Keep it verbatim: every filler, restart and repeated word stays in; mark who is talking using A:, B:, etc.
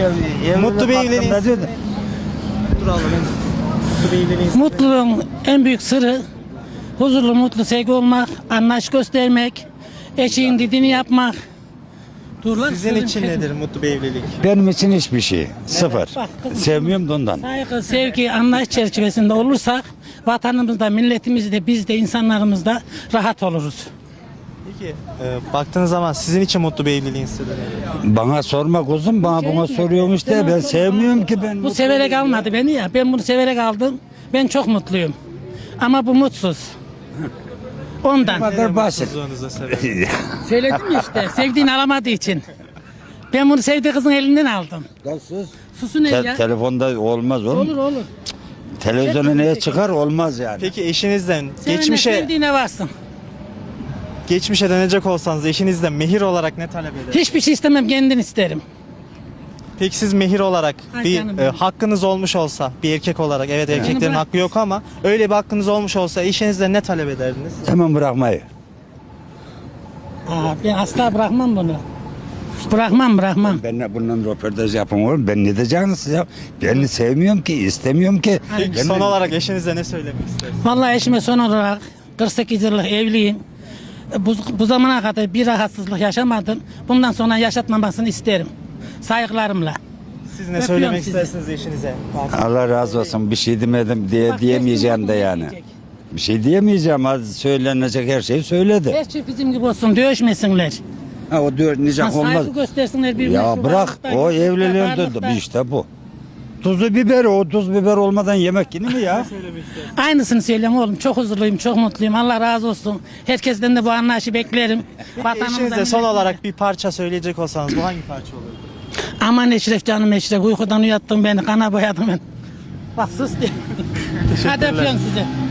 A: Mutlu bir evliliğin sırrı. Dur abla ben Mutlu bir evliliğin sırrı.
B: Mutluluğun en büyük sırrı huzurlu, mutlu, sevgi olmak, anlayış göstermek, eşeğin dediğini yapmak. Dur lan,
A: Sizin
B: sözüm
A: için
B: kesme.
A: nedir mutlu bir evlilik?
C: Benim için hiçbir şey. Sıfır.
B: Bak kızım,
C: Sevmiyorum da ondan.
B: saygı, sevgi, anlayış çerçevesinde olursak vatanımızda, milletimizde, biz de insanlarımız da rahat oluruz.
A: Peki e, baktığınız zaman sizin için mutlu bir evliliğin sırrı nedir?
C: Bana sorma kuzum, bana buna soruyorsun işte. Ben sevmiyorum ki ben.
B: Bu severek almadı beni ya. Ben bunu severek aldım. Ben çok mutluyum. Ama bu mutsuz. Ondan.
C: Bu kadar basit.
A: Mutsuzluğunuza sebep.
B: Söyledim ya işte. Sevdiğini alamadığı için. Ben bunu sevdiği kızın elinden aldım.
C: Sus.
B: Susun el
C: Te-
B: ya.
C: telefonda olmaz oğlum.
B: Olur olur.
C: Televizyona neye çıkar olmaz yani.
A: Peki eşinizden
B: Sevene
A: geçmişe
B: sevdiğine varsın.
A: geçmişe dönecek olsanız eşinizden mehir olarak ne talep eder?
B: Hiçbir şey istemem, kendin isterim.
A: Peki siz mehir olarak
B: Ay
A: bir
B: canım
A: e,
B: benim.
A: hakkınız olmuş olsa bir erkek olarak, evet erkeklerin
B: bırak.
A: hakkı yok ama öyle bir hakkınız olmuş olsa eşinizden ne talep ederdiniz?
C: Hemen bırakmayı.
B: Aa, ben asla bırakmam bunu. Bırakmam bırakmam.
C: Ben bundan röportaj yapın oğlum. Ben ne diyeceğim size? Ben sevmiyorum ki, istemiyorum ki.
A: Peki
C: Ben-
A: son olarak eşinize ne söylemek istersiniz?
B: Vallahi eşime son olarak kırk sekiz yıllık evliyim. Bu, bu zamana kadar bir rahatsızlık yaşamadım. Bundan sonra yaşatmamasını isterim. Saygılarımla.
A: Siz ne
B: Öpüyorum
A: söylemek
B: sizi.
A: istersiniz eşinize?
C: Allah razı olsun. Bir şey demedim diye
B: Bak,
C: diyemeyeceğim de
B: geçtim,
C: yani.
B: diyecek.
C: Bir şey diyemeyeceğim. Az söylenecek her şeyi söyledi.
B: Her şey bizim gibi olsun, dövüşmesinler.
C: Ha, o diyor
B: Ha,
C: nicak olmaz.
B: saygı göstersinler birbirine.
C: Ya
B: şu
C: bırak
B: varlıkta,
C: o
B: yoklukta,
C: evliliğin
B: varlıkta.
C: de işte bu. Tuzu biberi, o tuz biber olmadan yemek yenir mi ya?
B: Aynısını söyleyeyim oğlum. Çok huzurluyum, çok mutluyum. Allah razı olsun. Herkesten de bu anlayışı beklerim. Vatanımıza,
A: Eşinize son
B: milletimize.
A: olarak bir parça söyleyecek olsanız bu hangi parça olurdu?
B: Aman Eşref canım Eşref. Uykudan uyattın beni, kana boyadın beni. Bak sus diye. Hadi öpüyorum size.